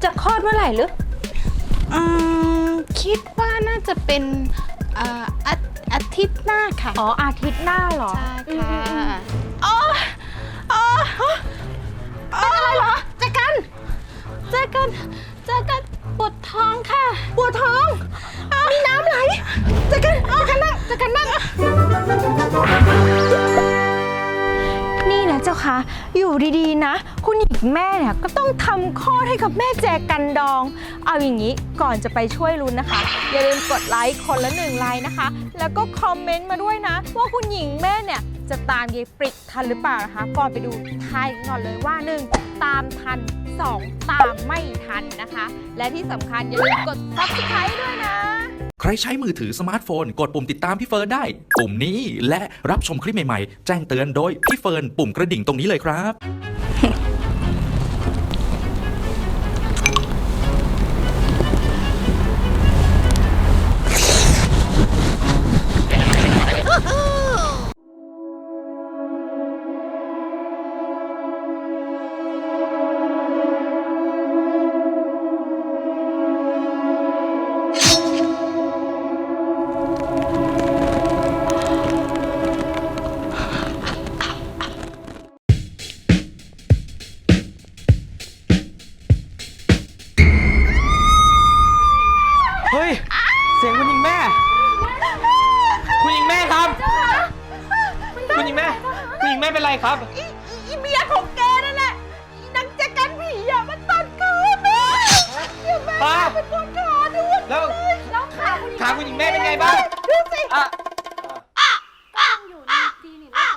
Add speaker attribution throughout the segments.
Speaker 1: จะคลอดเมื่อไหร่หรือคิดว่าน่าจะเป็นอาทิตย์หน้าค่ะ
Speaker 2: อ๋ออาทิตย์หน้าเหรอ
Speaker 1: ใช่ค่ะอ๋ออะไรเหรอเจอกันปวดท้องค่ะปวดท้องมีน้ำไหลเจอกันนั่ง
Speaker 2: นี่นะเจ้าคะอยู่ดีๆนะคุณหญิงแม่เนี่ยก็ต้องทำคลอดให้กับแม่แจกันดองเอาอย่างนี้ก่อนจะไปช่วยลุ้นนะคะอย่าลืมกดไลค์คนละ1ไลค์นะคะแล้วก็คอมเมนต์มาด้วยนะว่าคุณหญิงแม่เนี่ยจะตามยายปริกทันหรือเปล่านะคะก่อนไปดูทายกันก่อนเลยว่า1ตามทัน2ตามไม่ทันนะคะและที่สำคัญอย่าลืมกด Subscribe ด้วยนะ
Speaker 3: ใครใช้มือถือสมาร์ทโฟนกดปุ่มติดตามพี่เฟิร์นได้ปุ่มนี้และรับชมคลิปใหม่ๆแจ้งเตือนโดยพี่เฟิร์นปุ่มกระดิ่งตรงนี้เลยครับ
Speaker 4: เฮ้ยเสียงคุณหญิงแม่คุณหญิงแม่ครับคุณหญิงแม่เป็นไรครับ
Speaker 1: อีเมียของแกนั่นแหละนางแจกันผีอ่ะมันตัดขาแม่เดี๋ยวแม่เป็นคนขาด้วย
Speaker 4: แล้วขาคุณหญิงแม่เป็นไงบ้าง
Speaker 1: ดูสิ
Speaker 2: อยู่ในคลินิกนะคะ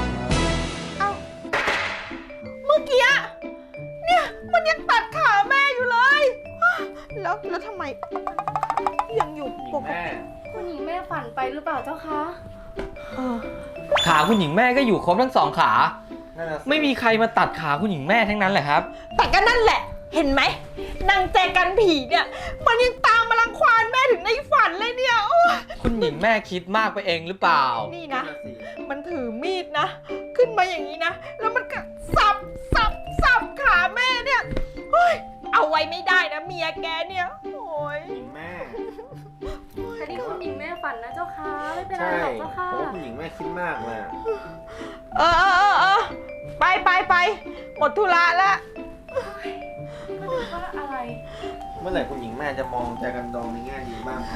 Speaker 1: เมื่อกี้เนี่ยมันยังตัดขาแม่อยู่เลยแล้วทำไมยังอยู่ปกติ
Speaker 2: คุณหญิงแม่ฝันไปหรือเปล่าเจ้าคะ
Speaker 4: ขาคุณหญิงแม่ก็อยู่ครบทั้ง2ขาไม่มีใครมาตัดขาคุณหญิงแม่ทั้งนั้นแหละครับ
Speaker 1: แต่ก็นั่นแหละเห็นไหมนางแจกันผีเนี่ยมันยังตามมารังควานแม่ถึงในฝันเลยเนี่ย
Speaker 4: คุณหญิงแม่คิดมากไปเองหรือเปล่า
Speaker 1: นี่นะมันถือมีดนะขึ้นมาอย่างนี้นะแล้วมันก็สับขาแม่เนี่ยเอาไว้ไม่ได้นะเมียแกเนี่ยโอ้ย
Speaker 5: หญิงแม่
Speaker 2: แต่นี่คุณหญิงแม่ฝันนะเจ้าค่ะไม่เป็นไรหรอกเจ้าค่ะ
Speaker 5: เพราะว่าคุณหญิงแม่คิดมากเลย
Speaker 1: ไปหมดธุระแล้ว
Speaker 2: ก็ดูว่าอะไร
Speaker 5: เมื่อไหร่คุณหญิงแม่จะมองใจกันดองในแง่ดีบ้าง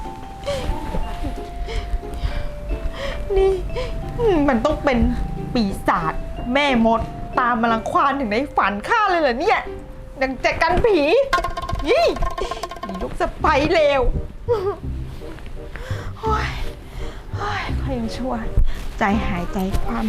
Speaker 1: นี่มันต้องเป็นปีศาจแม่มดตามมารังควานถึงในฝันข้าเลยเหรอเนี่ยดังแจกันผีนี่ลูกสะใภ้เลวโอ้ยค่อยยังชั่วใจหายใจความ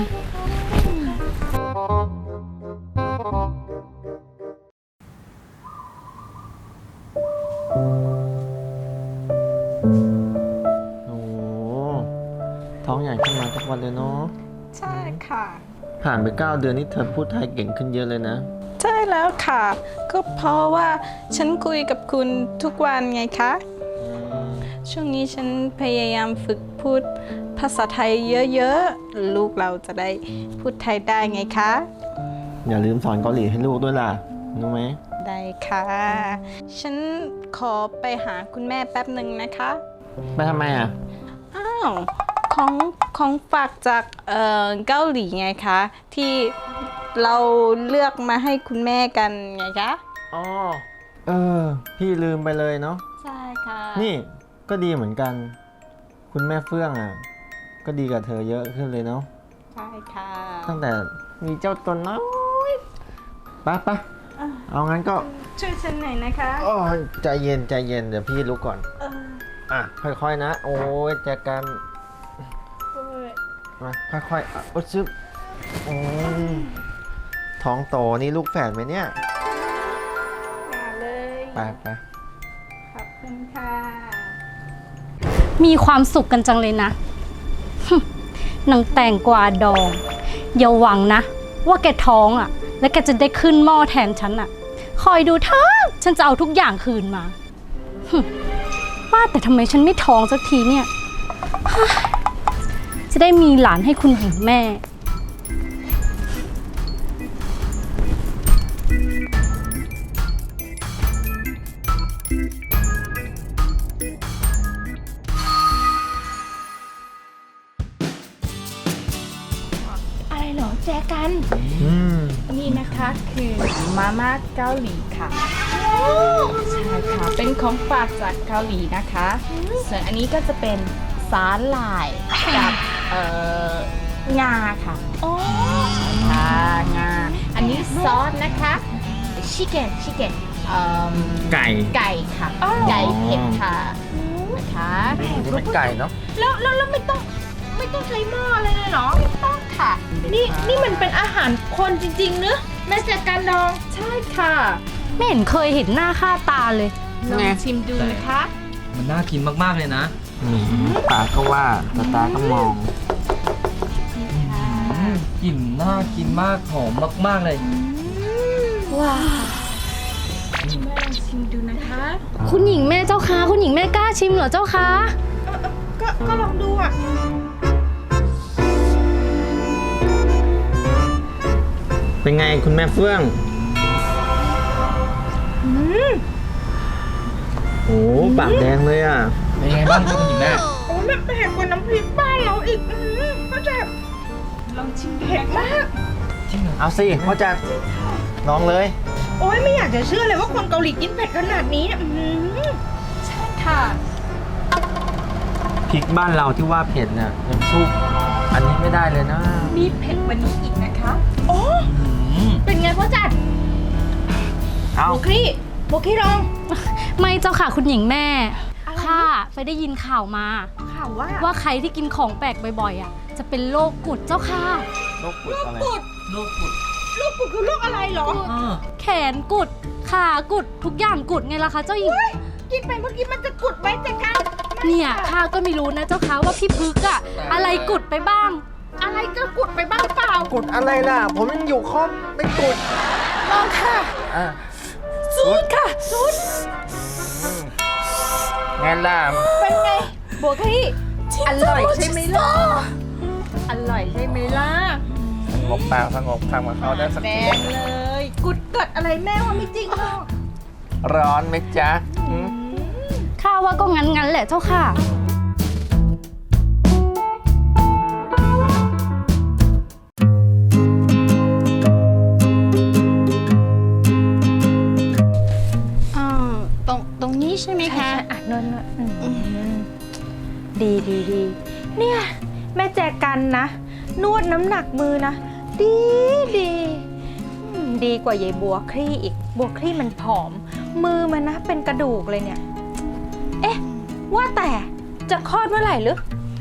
Speaker 5: โอ้ท้องใหญ่ขึ้นมาทุกวันเลยเนาะ
Speaker 1: ใช่ค่ะ
Speaker 5: ผ่านไป9 เดือนนี่เธอพูดไทยเก่งขึ้นเยอะเลยนะ
Speaker 1: ใช่แล้วค่ะก็เพราะว่าฉันคุยกับคุณทุกวันไงคะช่วงนี้ฉันพยายามฝึกพูดภาษาไทยเยอะๆลูกเราจะได้พูดไทยได้ไงคะ
Speaker 5: อย่าลืมสอนเกาหลีให้ลูกด้วยล่ะรู้ไหม
Speaker 1: ได้ค่ะฉันขอไปหาคุณแม่แป๊บหนึ่งนะคะ
Speaker 5: ไปทำไมอ่ะ
Speaker 1: อ้าวของฝากจากเกาหลีไงคะที่เราเลือกมาให้คุณแม่กันไงคะ
Speaker 5: อ๋อพี่ลืมไปเลยเนาะ
Speaker 1: ใช่ค่ะ
Speaker 5: นี่ก็ดีเหมือนกันคุณแม่เฟื่องอ่ะก็ดีกับเธอเยอะขึ้นเลยเนาะ
Speaker 1: ใช่ค่ะ
Speaker 5: ตั้งแต่มีเจ้าตนน้อยไปเอางั้นก็
Speaker 1: ช่วยฉันหน่อยนะคะ
Speaker 5: ใจเย็นเดี๋ยวพี่ลุกก่อนค่อยๆนะโอ้ยแจกันมาค่อยๆซึบท้องโตนี่ลูกแฝดไหมเนี่ย
Speaker 1: มาเลย
Speaker 5: ไป
Speaker 1: ขอบคุณค่ะ
Speaker 2: มีความสุขกันจังเลยนะนางแตงกวาดองอย่าหวังนะว่าแกท้องอ่ะแล้วแกจะได้ขึ้นหม้อแทนฉันอ่ะคอยดูเถอะฉันจะเอาทุกอย่างคืนมาว่าแต่ทำไมฉันไม่ท้องสักทีเนี่ยจะได้มีหลานให้คุณหญิงแม่
Speaker 1: นคือมาม่าเกาหลีค่ะใช่ค่ะเป็นของฝากจากเกาหลีนะคะส่วนอันนี้ก็จะเป็นสาหร่ายกับงาค่ะใช่ค่ะงาอันนี้ซอสนะคะชิคเก้น
Speaker 4: ไก่
Speaker 1: ไก่ค่ะไก่เผ็ดค่ะนะคะ
Speaker 4: นี่เป็นไก่เนาะ
Speaker 2: แล้วไม่ต้องใช้หม้ออะไรเลยเหรอ
Speaker 1: ไม่ต้องค่ะ
Speaker 2: นี่มันเป็นอาหารคนจริงๆเนอะแม่แจกันดอง
Speaker 1: ใช่ค่ะ
Speaker 2: ไม่เห็นเคยเห็นหน้าค่าตาเลย
Speaker 1: ลองชิมดูนะคะ
Speaker 4: มันน่ากินมากๆเลยนะ
Speaker 5: ตาก็ว่าตาก็มอง
Speaker 4: กลิ่นน่ากินมากหอมมากๆเลย
Speaker 2: ว้าว
Speaker 1: แม่ลองชิมดูนะคะ
Speaker 6: คุณหญิงแม่เจ้าคะคุณหญิงแม่กล้าชิมเหรอเจ้าคะ
Speaker 2: ก็ลองดูอ่ะ
Speaker 5: เป็นไงคุณแม่เฟื่องโอ้ปากแดงเลยอ่ะ
Speaker 4: เป็นไงบ้างครับคุณหญิงแม่
Speaker 2: โอ้แบบเผ็ดกว่าน้ำพริกบ้านเราอีกก็จะ
Speaker 1: ลองชิมดู
Speaker 2: เผ็ด
Speaker 1: นะคะ
Speaker 2: มาก
Speaker 4: จริงเหรอ
Speaker 5: เอาสิพ่อจัดลองเลย
Speaker 2: โอ้ยไม่อยากจะเชื่อเลยว่าคนเกาหลีกินเผ็ดขนาดนี้เนี่ย
Speaker 1: ค่ะ
Speaker 5: พริกบ้านเราที่ว่าเผ็ดเนี่ยยังสู้อันนี้ไม่ได้เลยนะ
Speaker 1: มีเผ็ดกว่านี้อีกนะคะ
Speaker 2: โอ้เป็นไงพ่อจัด
Speaker 5: เอา
Speaker 2: โมกี้ลอง
Speaker 6: ไม่เจ้าค่ะคุณหญิงแม่ข้าไปได้ยินข่าวมา
Speaker 2: ข่าวว่า
Speaker 6: ว่าใครที่กินของแปลกบ่อยๆอ่ะจะเป็นโรคกุดเจ้าค่ะ
Speaker 5: โรคปุดอะไร
Speaker 4: โลกกุด
Speaker 2: ลูกกุดคือลูกอะไรเหรอ
Speaker 6: แขนกุดขากุดทุกอย่างกุดไงล่ะคะเจ้าหญิง
Speaker 2: กินไปเมื่อกี้มันจะกุดไว้แต่กัน
Speaker 6: เนี่ยข้าก็ไม่รู้นะเจ้าค่ะว่าพี่พึกอะอะไรกุดไปบ้าง
Speaker 2: อะไรจะกุดไปบ้างเปล่า
Speaker 5: กุดอะไรล่ะ ผมยังอยู่ครบไม่กุด
Speaker 2: ลองค่ะ
Speaker 5: อ่ะ
Speaker 6: สูดค่ะ
Speaker 5: งั้นล่ะ
Speaker 2: เป็นไงบัวกี้อร่อยใช่ไหมล่ะอร่อยใช่ไหมล่ะ
Speaker 5: สงบปากสงบคำกับเขาได้สัก
Speaker 2: แด
Speaker 5: ที
Speaker 2: งเลย กุดเกิดอะไรแม่ว่าไม่จริงหรอก
Speaker 5: ร้อนไหมจ๊ะหืม
Speaker 6: ข้าว่าก็งั้นแหละเจ้าค่ะ
Speaker 1: ตรงนี้ใช่ไหมคะ
Speaker 2: อ่ะนวดดีเนี่ยแม่แจกันนะ นวดน้ำหนักมือนะ ดีกว่ายายบัวคลี่อีก บัวคลี่มันผอม มือมันนะเป็นกระดูกเลยเนี่ย เอ๊ะ ว่าแต่จะคลอดเมื่อไหร่หรือ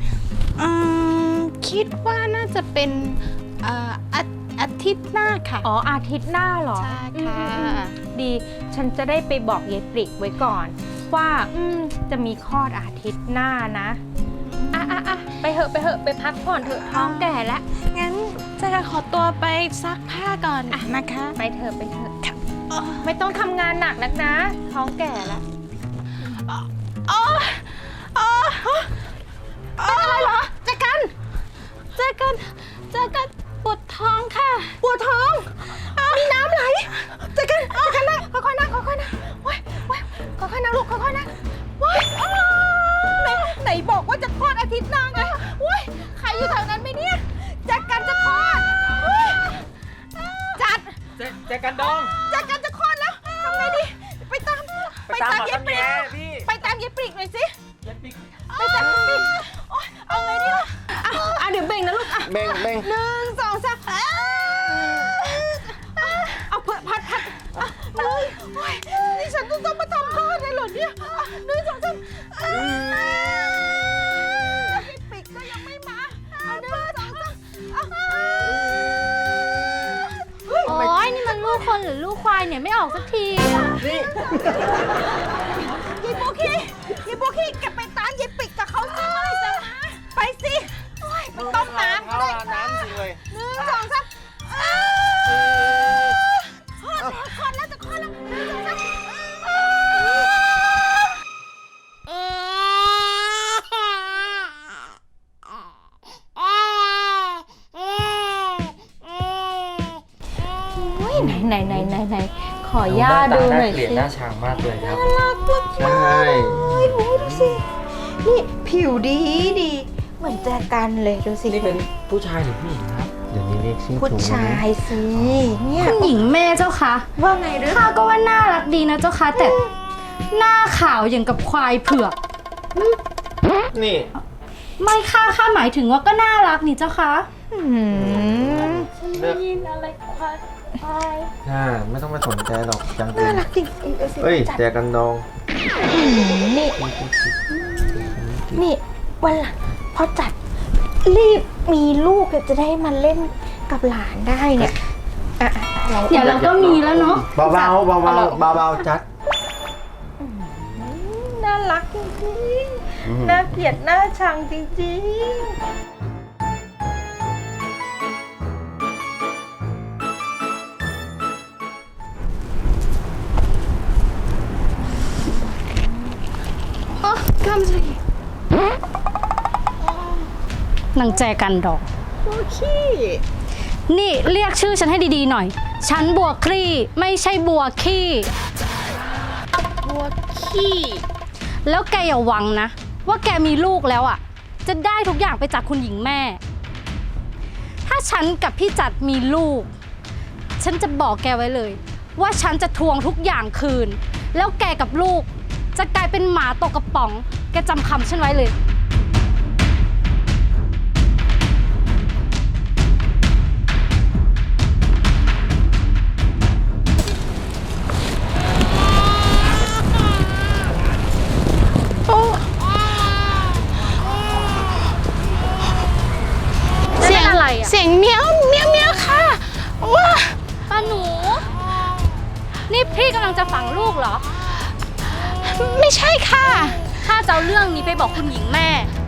Speaker 1: คิดว่าน่าจะเป็นอาทิตย์หน้าค่ะ
Speaker 2: อ๋ออาทิตย์หน้าเหรอ
Speaker 1: ใช่ค่ะ
Speaker 2: ดี ฉันจะได้ไปบอกยายปริกไว้ก่อน ว่าจะมีคลอดอาทิตย์หน้านะไปเหอะไปพักผ่อนเถอะท้องแก่แล้ว
Speaker 1: งั้นจะขอตัวไปซักผ้าก่อนนะคะ
Speaker 2: ไปเถอะไม่ต้องทำงานหนักนักนะ ท้องแก่แล้ว เป็นอะไรเหรอเจอกันปวดท้องค่ะ ปวดท้อง มีน้ำไหลเจอกันนั่งค่อยๆนั่งว้ายค่อยๆนั่งลูกค่อยๆนั่งว้ายไหนบอกว่าจะคลอดอาทิตย์หน้าไงว้ายใครอยู่แถวนั้นไหมเนี่ยเจอกันจะคลอดจัด
Speaker 4: แจกันดอง
Speaker 2: เจอกันจะคลอดแล้วทำไงดีไปตามยายปริก
Speaker 5: พี่
Speaker 2: ไปตามยายปริกหน่อยสิ
Speaker 4: เย็ดปิ๊ก
Speaker 2: ไปตามยายปริกโอ๊ยเอาไงดีล่ะเดี๋ยวเบ่งนะลูก
Speaker 5: เบ่ง
Speaker 2: 1 2 3เอาเพื่อพัดเลยโอ๊ยนี่ฉันต้องมาทำคลอดเลยเหรอเนี่ย1 2 3ปิกก็ยังไม่มา1 2 3
Speaker 6: โอ้ยนี่มันลูกคนหรือลูกควายเนี่ยไม่ออกสักที
Speaker 2: ยายโบกี้แกไปตามยายปิกกับเขาสิไปสิไปต้มน้ำก็ได้
Speaker 5: น้ำจริงเลย
Speaker 2: 1 2 3คลอดแล้วจะคลอดแล้ว1 2 ไหนขอย่าดูหน่อย
Speaker 4: เปลี่ยน
Speaker 2: สิ
Speaker 4: หน้าช้างมากเลยครับ
Speaker 5: ใช่
Speaker 2: ดูสินี่ผิวดีเหมือนแจกันเลยดูสิ
Speaker 4: นี่เป็นผู้ชายหรือผู้หญิงครับ
Speaker 2: ผ
Speaker 5: เดี๋ยวนี้เรียกชื่อ
Speaker 2: ผู้
Speaker 5: ถูก
Speaker 2: ชายสิเนี่ย
Speaker 6: คุณหญิงแม่เจ้าคะ
Speaker 2: ว่าไงหรือ
Speaker 6: ข้าก็ว่าน่ารักดีนะเจ้าคะแต่หน้าขาวอย่างกับควายเผือก
Speaker 5: นี่
Speaker 6: ไม่ข้าหมายถึงว่าก็น่ารักนี่เจ้าคะ
Speaker 5: เลือกไม่ต้องไปสนใจหรอกจังน่ารักจริงเฮ้ยแจกันดอง
Speaker 2: นี่นี่วันหลังพอจัดรีบมีลูกจะได้มาเล่นกับหลานได้เนี่ยอ่ะเรา
Speaker 6: เดี๋ยวเราก็มีแล้วเนาะ
Speaker 5: เบาๆเบาๆจัด
Speaker 2: น่ารักจริงๆน่าเกลียดน่าชังจริงๆ
Speaker 6: นางแจกันดอกนี่เรียกชื่อฉันให้ดีๆหน่อย ฉันบัวคลี่ไม่ใช่บัวขี้
Speaker 1: บัวขี้
Speaker 6: แล้วแกอย่าหวังนะ ว่าแกมีลูกแล้วอ่ะ จะได้ทุกอย่างไปจากคุณหญิงแม่ ถ้าฉันกับพี่จัดมีลูก ฉันจะบอกแกไว้เลย ว่าฉันจะทวงทุกอย่างคืน แล้วแกกับลูก จะกลายเป็นหมาตกกระป๋อง แกจำคำฉันไว้เลย
Speaker 1: เสียง
Speaker 6: อะไรอ่ะ
Speaker 1: เสียงเมี้ยวเมี้ยวเมี้ยวค่ะว้า
Speaker 6: ป้าหนู นี่พี่กำลังจะฝังลูกเหรอ
Speaker 1: ไม่ใช่ค่ะ
Speaker 6: ข้าจะเอาเรื่องนี้ไปบอกคุณหญิงแม่